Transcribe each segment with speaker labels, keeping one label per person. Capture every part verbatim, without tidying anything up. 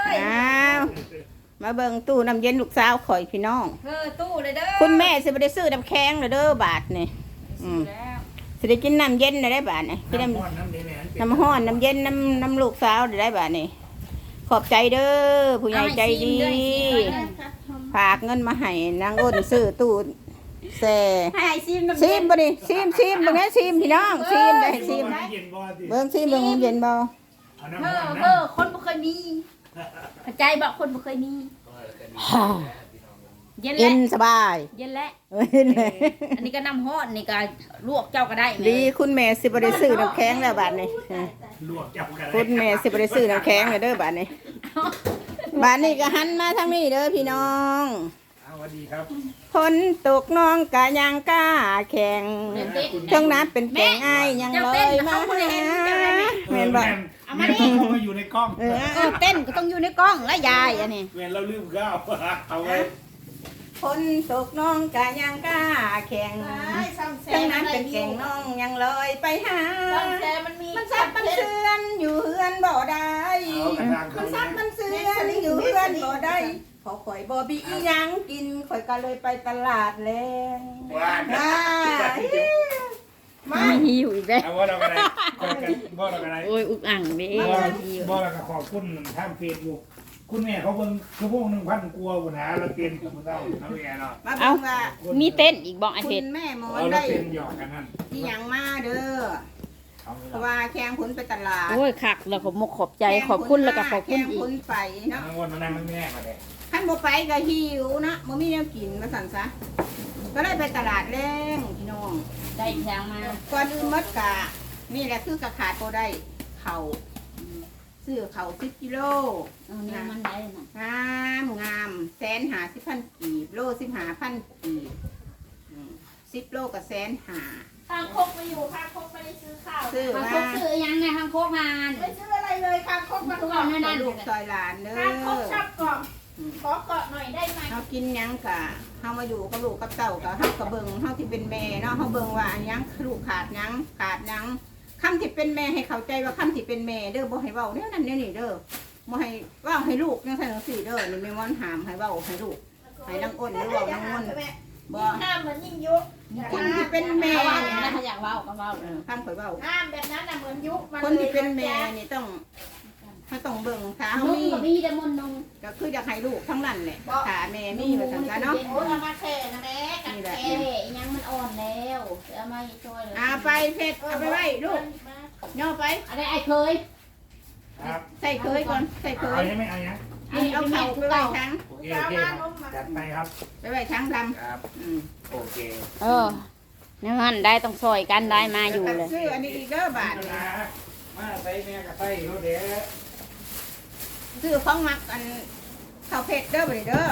Speaker 1: อ้าวมาเบิ่งตู้น้ำเย็นลูกสาวข่อยพี่น้อง
Speaker 2: เออตู้เลยเด้อ
Speaker 1: คุณแม่สิบ่ได้ซื้อน้ำแข็งเลยเด้อบาทนี่อืมสิได้กินน้ำเย็นได้บาทนี่กินน้ำ
Speaker 3: น้ำร้อนน้ำเย็น
Speaker 1: น้ำห้อนน้ำเย็นน้ำน้ำลูกสาวได้บาทนี่ขอบใจเด้อผู้ใหญ่ใจดีฝากเงินมาให้นางอ้นซื้อตู้แซ่
Speaker 2: ให้ซิมน้ำ
Speaker 1: ซิมบ่ดิซิมซิมตรงนี้ซิมพี่น้องซิมได้ซิม
Speaker 3: เย็นบ่ดิ
Speaker 1: เบิ่งซิมเบิ่งเย็นบ่
Speaker 3: เอาน้ำ
Speaker 2: เอ
Speaker 3: ร้อ
Speaker 2: อน เอ
Speaker 3: น้
Speaker 2: อคนบ่เคยมีเข้าใจบ่คนบ่เคยมีเย็น
Speaker 1: เย็
Speaker 2: แล้ว
Speaker 1: นสบาย
Speaker 2: เย็นแล้ว
Speaker 1: เอ้ยเลย
Speaker 2: อันนี้ก็น้ำฮ้อนนี่ก็ลวกเจ้าก็ได้
Speaker 1: ดีคุณแม่สิบ่ได้ซื้อน้ำแข็งแล้วบาทนี่
Speaker 3: ำลวกจับกัน
Speaker 1: คุณแม่สิบ่ได้ซื้อน้ำแข็งเลยเด้อบาทนี่บาทนี่ก็หันมาทางนี้เด้อพี่น้อง
Speaker 3: สวัสดีครับ
Speaker 1: ฝนตกน้องกะยังกล้าแข่งเทั้งน้ำเป็นแกงอ้ายยังลอยมาหาแม่นบ่
Speaker 3: เอามาดิเขามาอยู่ในกล้อง
Speaker 1: เออ
Speaker 2: เออเต้นก็ต้องอยู่ในกล้องและยายอันนี้
Speaker 3: เวรเราลืมข้าวเอาไว้
Speaker 1: ฝนตกน้องกะยังกล้าแข่งเทั้งน้ำเป็นแกงน้องยังลอยไปหา
Speaker 2: มันมี
Speaker 1: มันซับมันเสือนอยู่เฮือนบ่ได้
Speaker 3: เอากระทาง
Speaker 1: มันซับมันเสือนอยู่เฮือนบ่ได้พอข่อยบ่มีอีหยังกินข่อยก็เลยไปตลาดแลง
Speaker 3: ว้า
Speaker 1: มามา
Speaker 2: มีหิวอีกแล้ว
Speaker 3: เอาว่าเราอะไรบ่เราอะไร
Speaker 2: โอ้ยอุกอ่างเด้
Speaker 3: บ่บ่เราก็ขอบคุณทางเฟซบุ๊กคุณแม่เขาเบิ่งชั่วโมงหนึ่งพันกลัวปัญหาเราเตียนกับเราเอาแม่เนาะ
Speaker 1: มาเบิ่งว่า
Speaker 2: มีเต้นอีกบ่ไอ
Speaker 1: คุ
Speaker 2: เพช
Speaker 1: ณ
Speaker 2: ร
Speaker 1: แม่หมอ
Speaker 3: เอา
Speaker 1: น
Speaker 3: เรา
Speaker 1: ได้
Speaker 3: เตียนหยอกกันนั่น
Speaker 1: ที่หยังมาเด้อ
Speaker 3: เอา
Speaker 1: เพราะว่าแข้งผลไปตลาด
Speaker 2: โอ้ยคักแล้วผมขอบใจขอบคุณแล้วก็ขอบคุณ
Speaker 1: แข้ง
Speaker 2: อี
Speaker 1: ผ
Speaker 2: ก
Speaker 1: ลไปเนาะ
Speaker 3: น้ำวนมานั่งแม่มาเลย
Speaker 1: คันบ่ไปก็หิวนะบ่มีแนวกินมาสั่นซะก็เลยไปตลาดแรงพี่น้อง
Speaker 2: ได้แทงมา
Speaker 1: ก่อนอื่นหมดกะนี่แหละคือกะขาดบ่ได้ข้าวซื้อข้าวสิบกิโล
Speaker 2: เออนี่มันได้น่ะ
Speaker 1: งามงามแสนหาสิบพันกีบโลสิบหาพันกีบอืมสิบโลกับแสนหา
Speaker 4: ทางโคกมาอยู่ทางโคกไม่ได้ซื้อข้าว
Speaker 1: ซื้อ
Speaker 2: ทาง
Speaker 1: มา
Speaker 2: โคกซื้อยังไงทางโคกงาน
Speaker 4: ไม่ซื้ออะไรเลยทางโคกมา
Speaker 2: ทุก
Speaker 4: ก่
Speaker 2: วั
Speaker 4: อน น
Speaker 2: นั่นนั่น
Speaker 1: ลูกซอยหลานเด้
Speaker 4: ทางโคกช
Speaker 1: อ
Speaker 4: อบกล่องขอเกาะหน่อยได้ไหม
Speaker 1: เฮากินหยังกะเฮามาอยู่กับลูกกับเต้ากับเฮากับเบิ่งเฮาที่เป็นแม่เนาะเฮาเบิ่งว่าอันหยังลูกขาดหยังขาดหยังคำที่เป็นแม่ให้เข้าใจว่าคำที่เป็นแม่เด้อบ่ให้เว้าแนวนั้นแนวนี้เด้อบ่ให้เว้าให้ลูกจังซั่นจังซี่เด้อนี่แม่ม่อนหามให้เว้าให้ลูกให้นางอ้นหรือเว้านางม่อนบ่
Speaker 4: ห้ามเหมือนยิ่งยุก
Speaker 1: คนที่เป็นแม่
Speaker 2: เขาว่า
Speaker 1: เนี่ย
Speaker 2: ถ้าอยากเว้าก็เว้า
Speaker 1: เออคำข่อยเว้า
Speaker 4: ห้ามแบบนั้นน่ะเหมือนยุกมัน
Speaker 1: คนที่เป็นแม่นี่ต้องเขาต้องเบิ่งขา
Speaker 2: นุ่
Speaker 1: เขา
Speaker 2: ง
Speaker 1: มี
Speaker 2: ก็มีแต่มนนุ่ง
Speaker 1: ก็คืออยากให้ลูกทั้งนั้นแหละขาแม่มีมาสั่งกันเนาะ
Speaker 4: โอ้ยเอามาแข่นะแม่กัน
Speaker 1: นี่แหละ
Speaker 4: แข่
Speaker 2: เอ๊ะยังมันอ่อนแล้วเอามาช่วยเลย
Speaker 1: เอาไปเพชรเอาไปไว้ลูกย่อไป
Speaker 2: อะไรไอ้เคย
Speaker 3: ครับ
Speaker 1: ใส่เคยก่อนใส่เค
Speaker 3: เอา
Speaker 1: ย
Speaker 3: ใช่ไหมเอายัง
Speaker 1: นี่เอาเข่าไปไว้ทั้ง
Speaker 3: โอเคโอเคจัดไปครับ
Speaker 1: ไปไว้ทั้งด
Speaker 3: ครับ
Speaker 1: ำอืม
Speaker 3: โอเค
Speaker 2: เออนั่นได้ต้องซอยกันได้มาอยู่เลย
Speaker 1: ซื้ออันนี้อีกเด้อบาทนี่
Speaker 3: มาใส่แม่กับใส่รถเด้อ
Speaker 1: ซื้อของมักอันข้าวเพชรเด้อบ่ได้เด้อ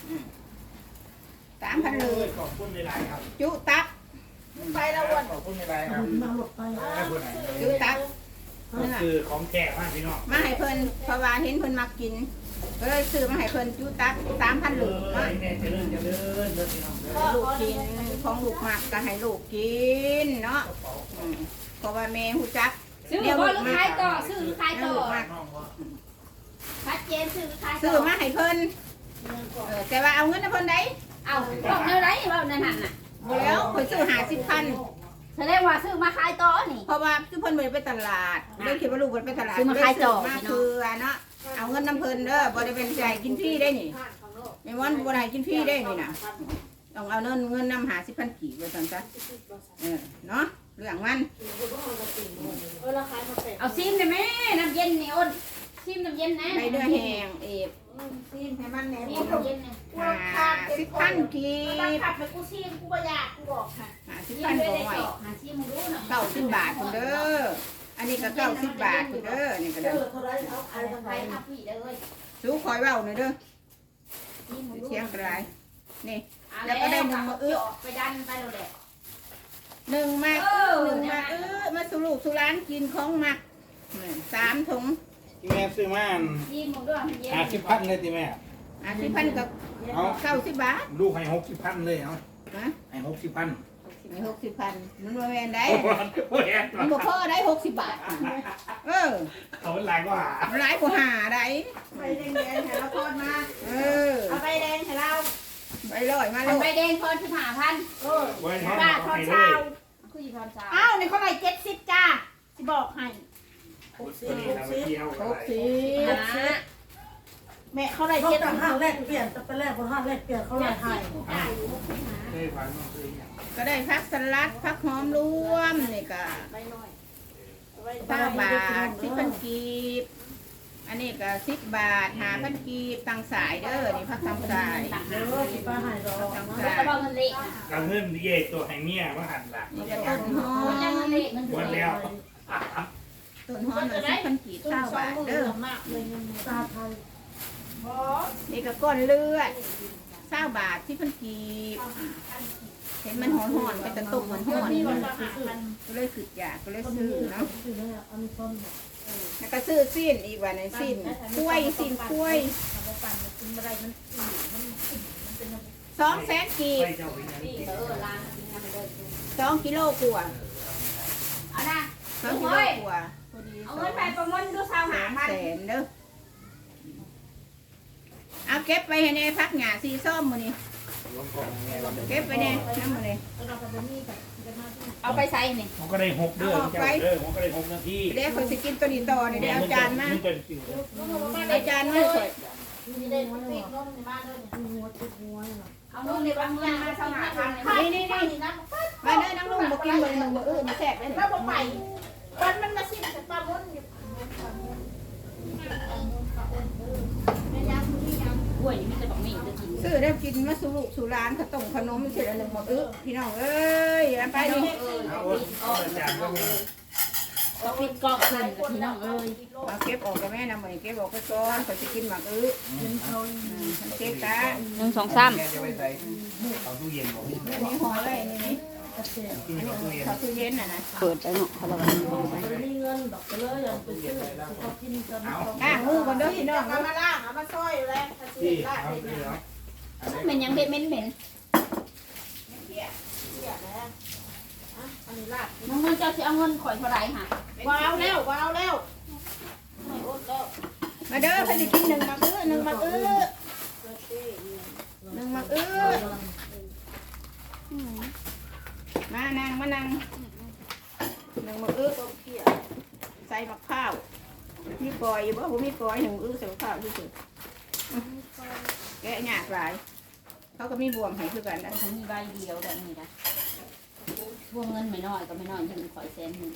Speaker 1: สามพันเลย
Speaker 3: ขอบคุณในไลน์ครับ
Speaker 1: จุตัก
Speaker 4: ไปแล้ววัน
Speaker 3: ขอบคุณในไลน์ครับขอบคุณไหน
Speaker 1: จุตัก
Speaker 3: คือของแจกมากพี่น้อง
Speaker 1: มาให้เพิ่นเพราะว่าเห็นเพิ่นมักกินก็เลยซื้อมาให้เพิ่นจุตักสามพัน
Speaker 3: เอ
Speaker 1: ลูก
Speaker 3: อ
Speaker 1: มา
Speaker 3: แม่เจริญเจริญเด้อพี่น้องเด้อ
Speaker 1: ลูกกินของลูกมักก็ให้ลูกกินเนาะอืมเพราะว่าแม่หูจัก
Speaker 2: ซื้อบ่หรือขายต่อซื้อหรือขายต่อ
Speaker 1: ลูกมัก
Speaker 3: น้องว่า
Speaker 4: ชัดเจนซื้อขาย
Speaker 1: ซื้อมาให้เพิ่นเออแต่ว่าเอาเงินให้เพิ่นได้
Speaker 2: เอาบอกแนวไรบอกนั่นน่ะ
Speaker 1: บ่แล้วเพิ่นซื้อห้าสิบพัน
Speaker 2: แสดงว่าซื้อมาขายต่อนี่
Speaker 1: เพราะว่าซื้อเพิ่นบ่ได้ไปตลาดเลยคิดว่าลูกเพิ่นไปตลาด
Speaker 2: ซื้อมาขายต่อ
Speaker 1: เลยซื้มาคือเนาะเอาเงินน้ำเพิ่นเด้อบ่ได้เป็นใจกินฟรีได้นี่ไม่ว่าบ่ได้กินฟรีได้นี่น่ะต้องเอาเงินเงินนำห้าสิบพันกีบว่าซั่นซะเออเนาะเรื่องมัน
Speaker 4: เออราคามาเป็ด
Speaker 2: เอาซิมได้ไหมน้ำเย็นนี่อ้นซิมน้ำเย็นนะ
Speaker 1: ได้เนื้อแห้งเอฟ
Speaker 4: ซีนให้มันแหน
Speaker 2: ซิ
Speaker 4: ม
Speaker 2: มน้ำเย็นนะ
Speaker 1: ห้าสิบพันกี
Speaker 4: ตั้ง
Speaker 1: บ
Speaker 4: ขับไปกูซีนกูก็อยากกูบอกค่ะ
Speaker 1: ห้าสิบ
Speaker 2: ซิม
Speaker 1: พัน
Speaker 2: ด้วย
Speaker 1: บ่
Speaker 2: ได้
Speaker 1: ไหว
Speaker 2: ต่อหาซิมมึงรู้หน่อย
Speaker 1: เก้าสิบบาทคุณเด้ออันนี้ก็เก้าสิบบาทคุณเด้อนี่ก็ได้
Speaker 2: ใครใครทำพี่เลย
Speaker 1: สู้คอยเว้าหน่อยเด้อ
Speaker 2: ซิมมึงรู้
Speaker 1: เชียงกรายนี่
Speaker 2: แล้วก็ได้หนึ่งมาเอื้อไปดันไปเลยแหละ
Speaker 1: หนึ่งมาก
Speaker 2: เออ
Speaker 1: หนึ่งมากเออมาสู่ลูกสู่ร้านกินของมักนี่สามถุง
Speaker 3: ที่แม่ซื้อมา
Speaker 2: ซิมมึงด้วยเย็น
Speaker 3: ห้าสิบพันเลยที่แม่
Speaker 1: อ่ะสิบพันกับ
Speaker 3: เอา
Speaker 1: เก้าสิบบาท
Speaker 3: ลูกให้หกสิบพันเลยเอา
Speaker 1: นะ
Speaker 3: ให้หกสิบพัน
Speaker 1: ไม่หกสิบพันมันบ่แม่นได้
Speaker 3: โอ้โหโอ้ย
Speaker 1: มันบ่พอได้หกสิบบาทเออ
Speaker 3: เขาเป็นไรก็หา
Speaker 1: หลายกว่าหาได้
Speaker 4: ไปแดง
Speaker 1: มา
Speaker 2: อั
Speaker 1: แล้
Speaker 2: น
Speaker 1: ว
Speaker 2: ใบแดงทอนสิบห้าพัน
Speaker 4: เออ
Speaker 3: ไว้ทอด
Speaker 4: ป้า
Speaker 3: เอา
Speaker 4: ทอน
Speaker 3: ให้เล
Speaker 4: เช้าย
Speaker 2: คือสิทอนสาม
Speaker 4: อ้าวในเขาไหร่เจ็ดสิบจ้าสิบอกให้
Speaker 3: ตัวนี้นะไปเที่ยว
Speaker 1: ห
Speaker 3: อะไร
Speaker 1: กสิบ
Speaker 2: นะ
Speaker 4: แม่เขาไหร่
Speaker 5: เขา
Speaker 4: เจ็ด
Speaker 5: ต่า
Speaker 4: สิ
Speaker 5: ง
Speaker 4: บ
Speaker 5: ห้างแรกเปลี่ยนแต่ไปแรกบนห้างแรกเปลี่ยนเขาเลยให้
Speaker 3: เคยฝันมันเคยอย่าง
Speaker 1: ก็ได้พักสลัดพักหอมรวมนี่ก็
Speaker 4: ใบน้อย
Speaker 1: เก้าบาทสิบพันกีบอันนี้ก็สิบบาทหาพันกีบตังสายเด้อนี่พักตังสาย
Speaker 5: เดี๋ยวสิป้าให้ดอก
Speaker 1: ตัง
Speaker 2: แล้ว
Speaker 1: สา
Speaker 2: ก็
Speaker 1: ย
Speaker 2: บอกเงินเละนะ
Speaker 3: กระเงินเย่ตัวให้เมียมาหันหลัง
Speaker 1: นี่ก็ต้นหอ
Speaker 2: มันจะเงิ
Speaker 1: ม
Speaker 2: นเละเงิน
Speaker 3: หม
Speaker 2: เดือ
Speaker 3: ด
Speaker 2: น
Speaker 3: แล้ว
Speaker 1: ต้นหอมสิบพันกีบเก้าบาทเด้อ
Speaker 4: มากเลยเงิน
Speaker 5: ตาไทย
Speaker 4: บอส
Speaker 1: นี่ก็ก้อนเลือดเก้าบาทสิบพันกีบเห็นมันหอนหอนๆไปตะตุกหอนหอน
Speaker 4: มีวัน
Speaker 1: ๆ
Speaker 4: ละหาพัน
Speaker 1: ก็เลยขึ้นอยากก็เลย
Speaker 5: คน
Speaker 1: ซื้อ
Speaker 5: นี้
Speaker 1: เนาะ
Speaker 5: ซื้อเลยอันนี้คน
Speaker 1: แล้วก็ซื้อสิ้นอีกวันนึงสิ้นกล้วยสิ้นกล้วย
Speaker 4: ทำมาปั่นมันกินอะไรมันอืดมันอิ่มมันเป็นอะไร
Speaker 1: สองแสนกีบ
Speaker 3: ไปเจ้าไปยัง
Speaker 2: นี่เออล้างกินน้ำไปเลย
Speaker 1: สองกิโลกว่า
Speaker 2: เอานะ
Speaker 1: สองกิโลกว่าพอดี
Speaker 2: เอาเงินไปประมวลดูสาวหา
Speaker 1: สาม
Speaker 2: พัน
Speaker 1: แสนเด้อเอาเก็บไปให้ในพักหยาสีส้มมื้อนี้
Speaker 3: ลงกองไงเรา
Speaker 1: เก็บไปในน้ำมื้อนี้
Speaker 4: เราจะไปนี่กับกันมาที่
Speaker 2: เอาไปใส่นี่
Speaker 3: มันก็ได้หกเดือนเจ้าเด้อมันก็ได้หกนาที
Speaker 1: เดี๋ยวเขาสิกินตัวนี้ต่อนี่เดี๋ยวเอาจานมา
Speaker 3: มันเป็นสิว
Speaker 1: เอาจานมาสวย
Speaker 4: มีเด็กปีกน้องในบ้านด้วย
Speaker 5: หัวติดหัวน่ะ
Speaker 2: เอาเงินในบางเงินมาสาวหาพัน
Speaker 1: นี่นี่นี่
Speaker 4: นี่นะ
Speaker 1: มาเด้อนั่งลงบ่กินเบิ่งหนึ่งบ่อื้อมาแซ่บได้
Speaker 4: แล้
Speaker 1: นี่
Speaker 4: วบอกไปวันมันมาสิ้นแต่ปลาม้นอยู่ไม่ยังไม่ยัง
Speaker 2: กล้วยนี่มันจะบอกมีจะกิน
Speaker 1: ซื้อได้กินมาสู่ลูกสู่ร้านขนมขนมเสร็จแล้วหนึ่งบ่อื้อพี่น้องเอ้ยเอาไปนี่
Speaker 3: เอาเอาจานก็มี
Speaker 2: ก็ปิดกล้องเพิ่นกับพี่น้องเอ้ย
Speaker 1: เอาเก็บออกกับแม่นำมื้อนี้เก็บออกไปก่อนเขาสิกินหมากอื้อ
Speaker 5: เป็นเขา
Speaker 1: อืมมันเก็บตา
Speaker 2: หนึ่งสองสาม
Speaker 3: แกจะไปใส่เอาตู้เย็นบอก
Speaker 1: อันนี้ห่อไว้นี่นี่
Speaker 5: กระเสีย
Speaker 3: กินกับตู้เย็น
Speaker 1: เขาตู้เย็นน่ะนะ
Speaker 2: เปิดไปเนาะเขาละวัน
Speaker 5: จะมีเงินดอกไปเลยอย่างไปซื้อเขากินกัน
Speaker 1: อ่ะมือก่อนเด้อพี่น้อง
Speaker 4: เอามาล่างเอามาซอยอยู่แล้วถ้า
Speaker 3: ที่
Speaker 4: เสียได้
Speaker 3: เอา
Speaker 4: เลย
Speaker 3: ที่
Speaker 4: เนี่ย
Speaker 3: แล้ว
Speaker 2: เหม็นยังเด็ดเหม็นเหม็น
Speaker 4: เสียแล้วอ่ะอันนี้ลาด
Speaker 2: น้องเงินเจ้าสิเอาเงินข่อยเท่าไหร่ค่ะ
Speaker 4: ว้าวแล้วว้าวแล้วไม่อดแล้ว
Speaker 1: มาเด้อเพิ่นสิกินหนึ่งหมากอื้อหนึ่งหมากอื้อหนึ่งหมากอื้อมานั่งมานั่งหนึ่งหมากอื้อใส่มะพร้าวมีกอยอยู่บ่บ่มีกอยหนึ่งอื้อใส่มะพร้าวซื่อๆแกะยากหลายเขาก็มีบวมให้คือกันนะ
Speaker 2: เขามีใบเดียวแบบนี้นะพวกเงินไม่น้อยก็ไม่น้อยยืมข่อยแสนหนึ่ง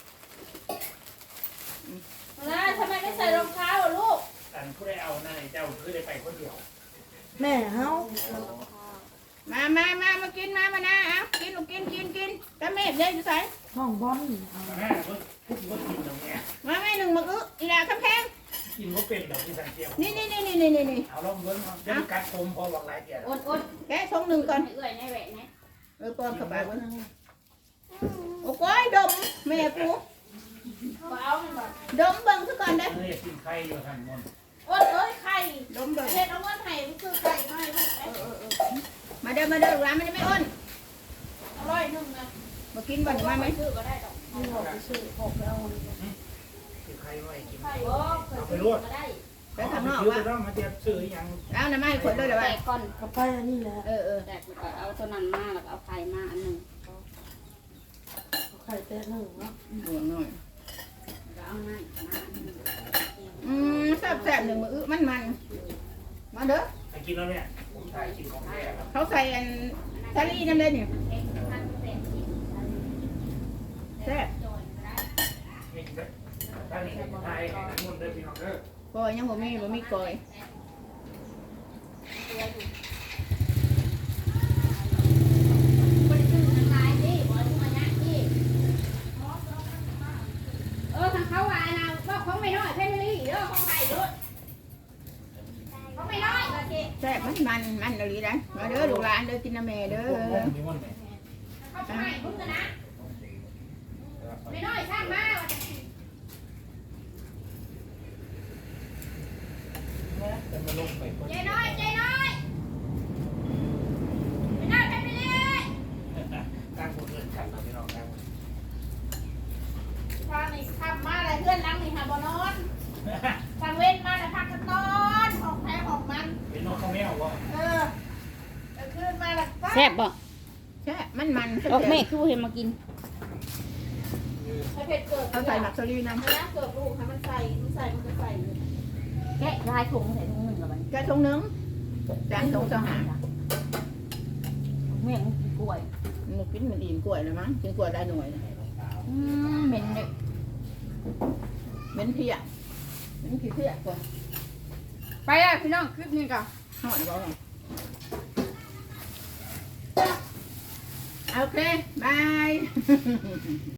Speaker 4: นะทำไมไม่ใส่รองเท้าอ่ะลูก
Speaker 3: อันผู้ได้เอานั่นเจ้าคือได้ไปคนเดียว
Speaker 5: แม่เฮา
Speaker 1: มามามามากินมามานะเอากินลูกกินกินกินตะเม็ดเลยอยู่ใส่
Speaker 5: ห้องบอล
Speaker 3: แม่ก็ก็กินตรงนี้
Speaker 1: มาแม่หนึ่งหมากอื้ออีหลาคำแพง
Speaker 3: กินก็เป็นดอกที่สันเทียม
Speaker 1: นี่นี่นี่นี่นี่นี่
Speaker 3: เอาลองเบิ้งจะกัดคมพอหวังหลายเดียว
Speaker 2: อดอด
Speaker 1: แกะทงหนึ่งก่อน
Speaker 2: ให้เอื้อยในแหวนนะ
Speaker 1: เออปอนเข้าไปเว้ยโอ้ก้อยดมแม่กู
Speaker 4: ว้าวมันแบบ
Speaker 1: ดมเบิ่งซะก่อนเด้อ
Speaker 3: เฮ้ยกินไข่อยู่ทางบน
Speaker 4: โอ้ยเอ้ยไข่
Speaker 1: ดมเบิ่ง
Speaker 4: เห็ดเอาเงินไข่มันคือไข่ไม่ลูก
Speaker 1: เออเออเออมาเด้อมาเด้อร้านมันจะไม่อ้น
Speaker 4: อร่อยหนึ่งนะ
Speaker 1: มากินบ่อนมาไหม
Speaker 4: ซื้อก็ได้ดอก
Speaker 5: ที่หอกไปซื้อหอกไปเอา
Speaker 3: กินไข่ไว้กิน
Speaker 4: ไข่
Speaker 2: โอ้เคยซื้อก็ได้
Speaker 1: ไปข้างนอก
Speaker 3: ซื้อ
Speaker 1: วะ
Speaker 3: ไปต้องมาเทียบซื้อยัง
Speaker 1: เอาน้ำมาให้คนเลยเดี๋ยว
Speaker 2: แต
Speaker 1: วะ
Speaker 2: กก่อน
Speaker 5: กระไปอันนี้แหละ
Speaker 1: เออเออ
Speaker 2: แตกแล้วก็เอาตัวนั้นมาแล้วก็เอาไข่มาอันหนึ่ง
Speaker 5: ไข่แตะหนึ่งเนาะ
Speaker 1: ดวงหน่อย
Speaker 2: แล้วเอามามาอันหนึ่ง
Speaker 1: อืมแซ่บแซ่บหนึ่งมืออื้อมันมันมาเด้อ
Speaker 3: ไอ้กินแล้วเนี่ยผมถ่ายกินของแท้ครับ
Speaker 1: เขาใส่อันซาลีนั่นเลยเนี่ย
Speaker 2: เอ็กซ์พันแปดสิบ
Speaker 1: แซ่บ
Speaker 2: จอยก็ได้
Speaker 3: นี่ถ้านี่ถ่ายมุนได้พี่น้องเด้อ
Speaker 1: ก้อยยังบ่มีบ่มีก้อย
Speaker 2: บริสุทธิ์ทั้งหลายดิบริสุทธิ์มาเนี่ยดิเออทางเขาว่านะว่าของไม่น้อยแค่ไม่รีเด้อของไข่เด้อของไม่น้อยก็สิ
Speaker 1: แซ่บมันมันมันอะไรนะมาเด้อลูกหลานเด้อกินน้ำแม่เด้อ
Speaker 3: มีมุนไหม
Speaker 2: เขาจะให้มึงนะไม่น้อยช่างมา
Speaker 3: จะมาลงไปคน
Speaker 2: ใจน้อยใจน้อยไม่น้อยแค่ไม่รี
Speaker 3: ตั้งคนเงินขันเราพี่น้องตั้ง
Speaker 4: ทางนี้ทำมาอะไรเพื่อนนั่งนี่หาบ่นอนทางเว้นมาแต่พักกันนอนของแท้ของมัน
Speaker 3: เป็นน้องข้าวแมววะ
Speaker 4: เออแต่ขึ้นมา
Speaker 2: ซ่บบ่
Speaker 1: แช่มันมัน
Speaker 2: ออกแม่คือเห็นมากิน
Speaker 4: ถ้าเผ็ดเกิด
Speaker 1: เอาใส่หมักสลีน้ำ
Speaker 4: นะเกิดลูกให้มันใส่มันใส่มันก็ใส่เลย
Speaker 2: แกะลายถุงใส่ถุงหนึ่งกับมัน
Speaker 1: แกะทงนึงจานทงสองหา
Speaker 2: แม่งกินกล้วย
Speaker 1: มันกินมันอิ่มกล้วยเลยมั้งกินกล้วยได้หน่วยนะ
Speaker 2: อืมเหม็นเลย
Speaker 1: เป็นเพี้ยเป็นขี้เพี้ยกว่า
Speaker 2: ไปอ่ะพี่น้องคลิปนี้ก่อน
Speaker 1: หอดบ่โอเค บาย